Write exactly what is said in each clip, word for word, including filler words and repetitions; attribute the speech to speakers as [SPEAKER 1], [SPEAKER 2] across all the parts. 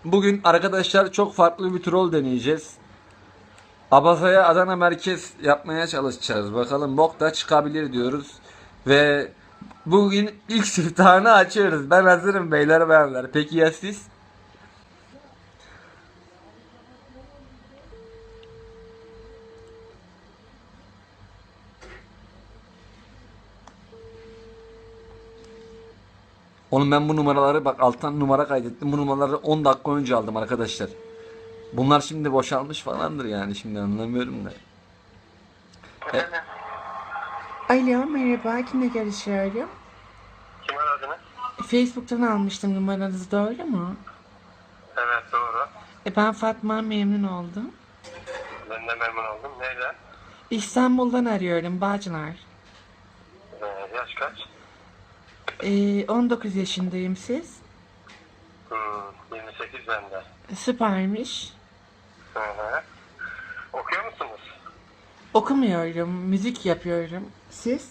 [SPEAKER 1] Bugün arkadaşlar çok farklı bir troll deneyeceğiz. Abaza'ya Adana merkez yapmaya çalışacağız. Bakalım bok da çıkabilir diyoruz. Ve bugün ilk siftahını açıyoruz. Ben hazırım beyler bayanlar. Peki ya siz? Oğlum ben bu numaraları bak alttan numara kaydettim. Bu numaraları on dakika önce aldım arkadaşlar. Bunlar şimdi boşalmış falandır yani şimdi anlamıyorum da. E,
[SPEAKER 2] Alo merhaba, kimle görüşüyorum?
[SPEAKER 3] Kim aradınız?
[SPEAKER 2] Facebook'tan almıştım numaranızı, doğru mu?
[SPEAKER 3] Evet doğru.
[SPEAKER 2] E, ben Fatma, memnun oldum.
[SPEAKER 3] Ben de memnun oldum. Neyden?
[SPEAKER 2] İstanbul'dan arıyorum, Bağcılar.
[SPEAKER 3] Ee, yaş kaç?
[SPEAKER 2] E, on dokuz yaşındayım, siz?
[SPEAKER 3] Hmm, yirmi sekiz bende.
[SPEAKER 2] Süpermiş.
[SPEAKER 3] Hı hı. Okuyor musunuz?
[SPEAKER 2] Okumuyorum, müzik yapıyorum. Siz?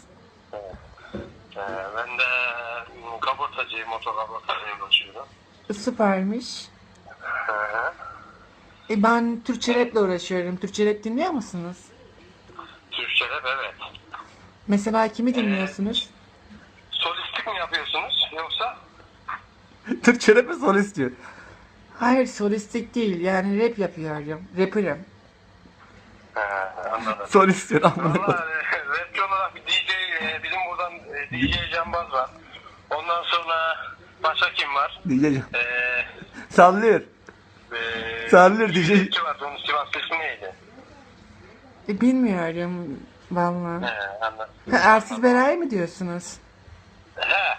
[SPEAKER 3] Ee, ben de hmm, kaportacıyım, motor kaportacıyım uğraşıyorum.
[SPEAKER 2] Süpermiş.
[SPEAKER 3] Hı hı.
[SPEAKER 2] E, ben Türkçe rap'le uğraşıyorum. Türkçe rap dinliyor musunuz?
[SPEAKER 3] Türkçe rap evet.
[SPEAKER 2] Mesela kimi dinliyorsunuz?
[SPEAKER 3] Solistik mi yapıyorsunuz yoksa?
[SPEAKER 1] Türkçe rap mi solist diyor.
[SPEAKER 2] Hayır, solistik değil, yani rap yapıyorum. Rapper'ım.
[SPEAKER 3] He, anladım.
[SPEAKER 1] Solist diyor amına koyayım.
[SPEAKER 3] Valla e, rapçi olarak bir D J, e, bizim buradan e, D J Cambaz var. Ondan sonra başka kim var?
[SPEAKER 1] Diyeceğim.
[SPEAKER 3] Eee
[SPEAKER 1] Sallıyor.
[SPEAKER 3] Ee,
[SPEAKER 1] Sallıyor diyecek.
[SPEAKER 3] Rapçi vardı, onun Sivas ismi neydi?
[SPEAKER 2] E, bilmiyorum vallahi.
[SPEAKER 3] He, anladım.
[SPEAKER 2] Ha, Ersiz Beray mı diyorsunuz?
[SPEAKER 3] He.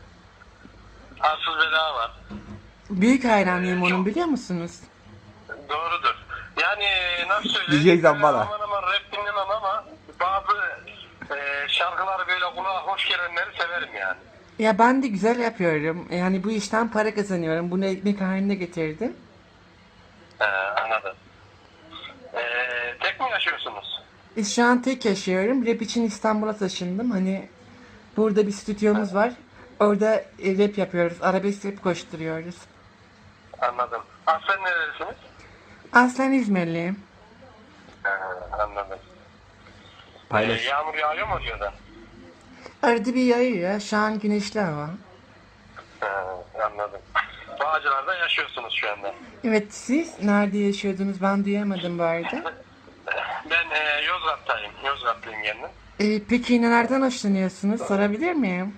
[SPEAKER 3] Arsız Bela var.
[SPEAKER 2] Büyük hayranıyım onun, biliyor musunuz?
[SPEAKER 3] Doğrudur. Yani nasıl söyleyeyim?
[SPEAKER 1] Diyecek
[SPEAKER 3] Ben
[SPEAKER 1] bana.
[SPEAKER 3] Aman aman rap dinlemem ama bazı e, şarkıları böyle kulağa hoş gelenleri severim yani.
[SPEAKER 2] Ya ben de güzel yapıyorum. Yani bu işten para kazanıyorum. Bunu ekmek haline getirdim.
[SPEAKER 3] He, anladım. E, tek mi yaşıyorsunuz?
[SPEAKER 2] E, şu an tek yaşıyorum. Rap için İstanbul'a taşındım. Hani burada bir stüdyomuz var. Orada e, rap yapıyoruz. Arabesk rap koşturuyoruz.
[SPEAKER 3] Anladım. Aslen nerelisiniz?
[SPEAKER 2] Aslen İzmirliyim.
[SPEAKER 3] He, anladım. E,
[SPEAKER 1] Paylaş.
[SPEAKER 3] yağmur yağıyor mu diyorlar?
[SPEAKER 2] Arada bir yağıyor. Şu an güneşli hava.
[SPEAKER 3] He, anladım. Bağcılar'da yaşıyorsunuz şu anda.
[SPEAKER 2] Evet, siz nerede yaşıyordunuz? Ben duyamadım bu arada.
[SPEAKER 3] Ben e, Yozgat'tayım. Yozgatlıyım kendim.
[SPEAKER 2] E, peki nelerden hoşlanıyorsunuz? Sorabilir miyim?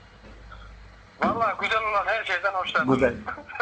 [SPEAKER 3] Vallahi güzel olan her şeyden hoşlandım.
[SPEAKER 1] Güzel.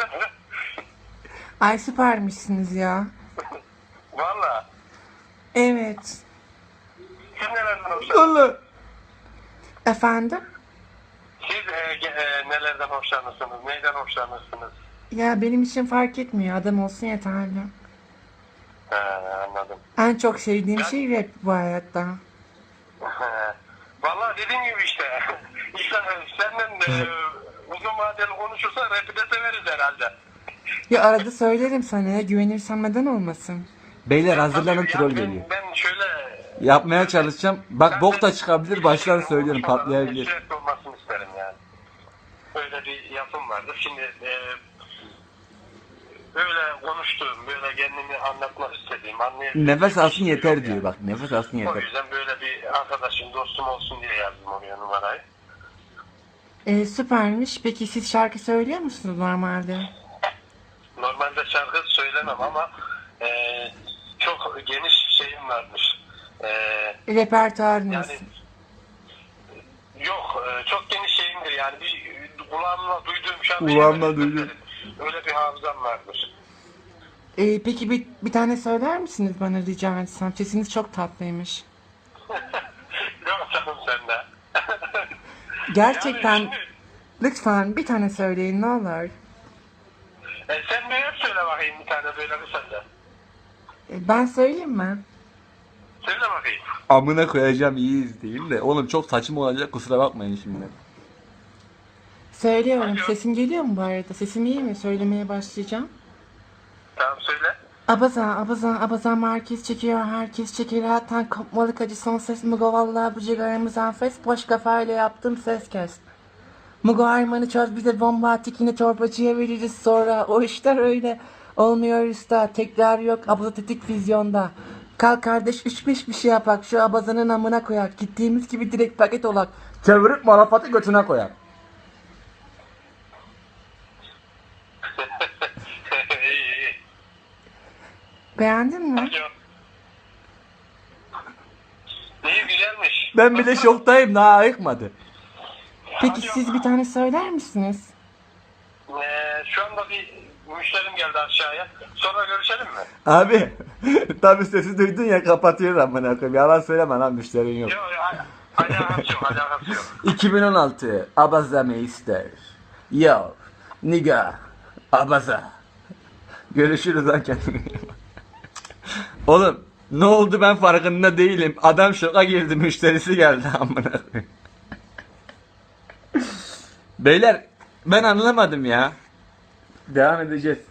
[SPEAKER 2] Ay süpermişsiniz ya.
[SPEAKER 3] Vallahi.
[SPEAKER 2] Evet.
[SPEAKER 3] Siz nelerden hoşlanırsınız?
[SPEAKER 1] Allah.
[SPEAKER 2] Efendim?
[SPEAKER 3] Siz e, ge- e, nelerden hoşlanırsınız? Neyden hoşlanırsınız?
[SPEAKER 2] Ya benim için fark etmiyor. Adam olsun yeterli.
[SPEAKER 3] He, anladım.
[SPEAKER 2] En çok sevdiğim
[SPEAKER 3] Ben-
[SPEAKER 2] şey rap bu hayatta.
[SPEAKER 3] He. Vallahi dediğim gibi işte. işte senden e, uzun vadeli konuşursa rap'i de severiz herhalde.
[SPEAKER 2] Ya arada söylerim sana ya. Güvenirsen neden olmasın?
[SPEAKER 1] Beyler hazırlanın
[SPEAKER 3] Tabii,
[SPEAKER 1] troll
[SPEAKER 3] yani ben-
[SPEAKER 1] geliyor.
[SPEAKER 3] Ben şöyle...
[SPEAKER 1] Yapmaya çalışacağım. Bak bok da çıkabilir. Baştan
[SPEAKER 3] İlişkilerin
[SPEAKER 1] söylüyorum
[SPEAKER 3] olmuş olan,
[SPEAKER 1] patlayabilir.
[SPEAKER 3] sürekli olmasını isterim yani. Öyle bir yapım vardır. Şimdi e, böyle konuştuğum, böyle kendimi anlatmak istediğim, anlayabildiğim
[SPEAKER 1] Nefes
[SPEAKER 3] bir
[SPEAKER 1] alsın
[SPEAKER 3] şey
[SPEAKER 1] yeter
[SPEAKER 3] yok
[SPEAKER 1] diyor
[SPEAKER 3] yani.
[SPEAKER 1] bak. Nefes alsın
[SPEAKER 3] O
[SPEAKER 1] yeter.
[SPEAKER 3] yüzden böyle bir arkadaşım, dostum olsun diye yazdım oraya numarayı.
[SPEAKER 2] Ee, süpermiş. Peki siz şarkı söylüyor musunuz normalde?
[SPEAKER 3] Normalde şarkı söylemem ama e, çok geniş şeyim varmış. E,
[SPEAKER 2] Repertuarınız.
[SPEAKER 3] yani yok, e, çok geniş şeyimdir yani bir kulağımla duyduğum şarkıyı
[SPEAKER 1] Kulağımla
[SPEAKER 3] böyle
[SPEAKER 1] duydum.
[SPEAKER 3] söylerim. Öyle bir hafızam varmış.
[SPEAKER 2] Ee, peki bir, bir tane söyler misiniz bana, rica etsem? Sesiniz çok tatlıymış.
[SPEAKER 3] Yok canım sende.
[SPEAKER 2] Gerçekten
[SPEAKER 3] Yani şimdi,
[SPEAKER 2] lütfen bir tane söyleyin ne olur.
[SPEAKER 3] e, sen ne söyle bakayım bir tane böyle kısaca.
[SPEAKER 2] Ee, ben söyleyeyim mi?
[SPEAKER 3] Söyle bakayım.
[SPEAKER 1] Amına koyacağım iyi izleyin de. Oğlum çok saçma olacak kusura bakmayın şimdi.
[SPEAKER 2] Söylüyorum.
[SPEAKER 3] Alo.
[SPEAKER 2] Sesim geliyor mu bu arada? Sesim iyi mi? Söylemeye başlayacağım.
[SPEAKER 3] Tamam söyle.
[SPEAKER 2] Abazan, abazan, abazan merkez çekiyor, herkes çekiyor. Zaten kopmalık acı son ses mi go vallahi bu cigaramız enfes. Boş kafayla yaptım ses kes. Mugo Arman'ı çöz bize bomba attık yine torbacıya veririz sonra. O işler öyle olmuyor usta. Tekrar yok abaza tetik vizyonda. Kalk kardeş üç beş bir şey yapak. Şu abazanın amına koyak. Gittiğimiz gibi direkt paket olak.
[SPEAKER 1] Çevirip malafatı götüne koyar.
[SPEAKER 3] iyi iyi.
[SPEAKER 2] Beğendin mi?
[SPEAKER 3] Alo. İyi güzelmiş.
[SPEAKER 1] Ben bile şoktayım, daha ayıkmadı.
[SPEAKER 2] Peki siz bir tane söyler misiniz?
[SPEAKER 3] Ee, şu anda bir müşterim geldi aşağıya. Sonra görüşelim mi?
[SPEAKER 1] Abi tabi sesi duydun ya, kapatıyor amına koyayım. Yalan söyleme lan, müşterin yok.
[SPEAKER 3] Yok yok. Alakası yok. Alakası yok.
[SPEAKER 1] iki bin on altı Abaza Meister. Yo nigga Abaza. Görüşürüz lan, kendine. Oğlum ne oldu, ben farkında değilim. Adam şoka girdi, müşterisi geldi amına koyayım. Beyler ben anlamadım ya. Devam edeceğiz.